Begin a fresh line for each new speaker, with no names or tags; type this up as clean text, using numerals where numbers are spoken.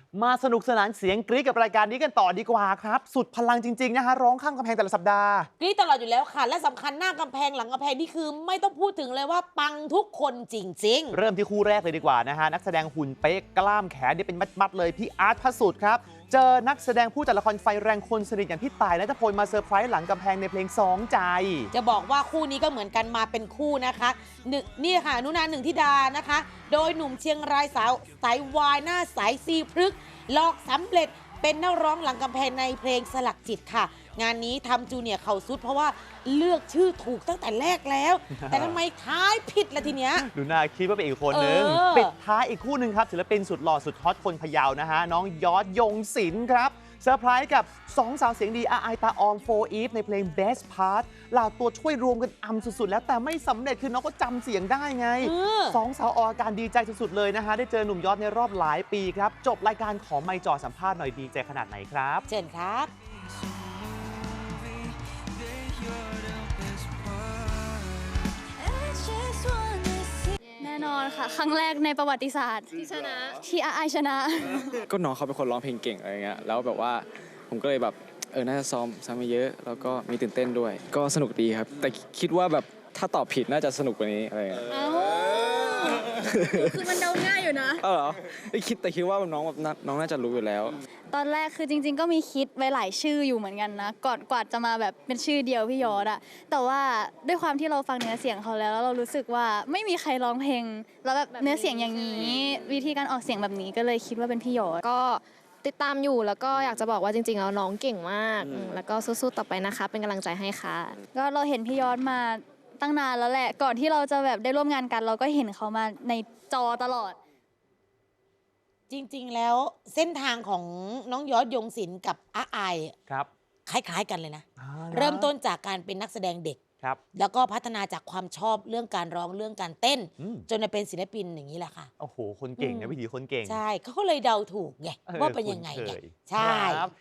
มาสนุกสนานเสียงกรี๊ดกับรายการนี้กันต่อดีกว่าครับสุดพลังจริงๆนะฮะร้องข้ามกำแพงแต่ละสัปดาห์
กรี๊ดตลอดอยู่แล้วค่ะและสำคัญหน้ากำแพงหลังกำแพงนี่คือไม่ต้องพูดถึงเลยว่าปังทุกคนจริง
เริ่มที่คู่แรกเลยดีกว่านะฮะนักแสดงหุ่นเป๊ะกล้ามแขนนี่เป็นมัดๆเลยพี่อาร์ตพระสุทธิ์ครับเจอนักแสดงผู้จัดละครไฟแรงคนสนิทอย่างพี่ต่ายณัฐพลมาเซอร์ไพรส์หลังกำแพงในเพลงสองใจ
ๆจะบอกว่าคู่นี้ก็เหมือนกันมาเป็นคู่นะคะนี่ค่ะนุนาหนึ่งธิดานะคะโดยหนุ่มเชียงรายสายวายหน้าใสซีพฤกษ์หลอกสำเร็จเป็นนักร้องหลังกำแพงในเพลงสลักจิตค่ะงานนี้ทำจูเนียร์เข่าสุดเพราะว่าเลือกชื่อถูกตั้งแต่แรกแล้ว แต่ทำไมท้ายผิดละทีเนี้ย
ดูน่าคิดว่าเป็นอีกคนนึงปิดท้ายอีกคู่หนึ่งครับศิลปินสุดหล่อสุดฮอตคนพะเยานะฮะน้องยอดยงศิลป์ครับเซอร์ไพรส์กับสองสาวเสียงดีอาไอตาออมโฟอีฟในเพลง Best Part เหล่าตัวช่วยรวมกันอำสุดๆแล้วแต่ไม่สำเร็จคือน้องก็จำเสียงได้ไงสองสาวออกอาการดีใจสุดๆเลยนะฮะได้เจอหนุ่มยอดในรอบหลายปีครับจบรายการขอไมค์จ่อสัมภาษณ์หน่อยดีใจขนาดไหนครับ
เชิญครับ
แน่นอนค่ะครั้งแรกในประวัติศาสตร์ที่ชนะที่อาไอชนะ
ก็น้องเขาเป็นคนร้องเพลงเก่งอะไรเงี้ยแล้วแบบว่าผมก็เลยแบบน่าจะซ้อมมาเยอะแล้วก็มีตื่นเต้นด้วยก็สนุกดีครับแต่คิดว่าแบบถ้าตอบผิดน่าจะสนุกกว่านี้อะไรเงี้ย
คือมันเดาง่ายอยู่นะ
เหรอคิดว่าน้องแบบน้องน่าจะรู้อยู่แล้ว
ตอนแรกคือจริงๆก็มีคิดไว้หลายชื่ออยู่เหมือนกันนะก่อนกว่าจะมาแบบเป็นชื่อเดียวพี่ยอดอะแต่ว่าด้วยความที่เราฟังเนื้อเสียงเขาแล้วเรารู้สึกว่าไม่มีใครร้องเพลงแล้วแบบเนื้อเสียงอย่างนี้วิธีการออกเสียงแบบนี้ก็เลยคิดว่าเป็นพี่ยอด
ก็ติดตามอยู่แล้วก็อยากจะบอกว่าจริงๆแล้วน้องเก่งมากแล้วก็สู้ๆต่อไปนะคะเป็นกำลังใจให้ค่ะ
ก็เราเห็นพี่ยอดมาตั้งนานแล้วแหละก่อนที่เราจะแบบได้ร่วมงานกันเราก็เห็นเขามาในจอตลอด
จริงๆแล้วเส้นทางของน้องยอดยงศิลป์กับอาไอ
ครับ
คล้ายๆกันเลยนะเริ่มต้นจากการเป็นนักแสดงเด็ก
ครับ
แล้วก็พัฒนาจากความชอบเรื่องการร้องเรื่องการเต้นจนมาเป็นศิลปินอย่างนี้แหละค่ะ
โอ้โหคนเก่งนะวิถีคนเก่ง
ใช่เขาก็เลยเดาถูกไงว่าเป็นยังไงไงใช่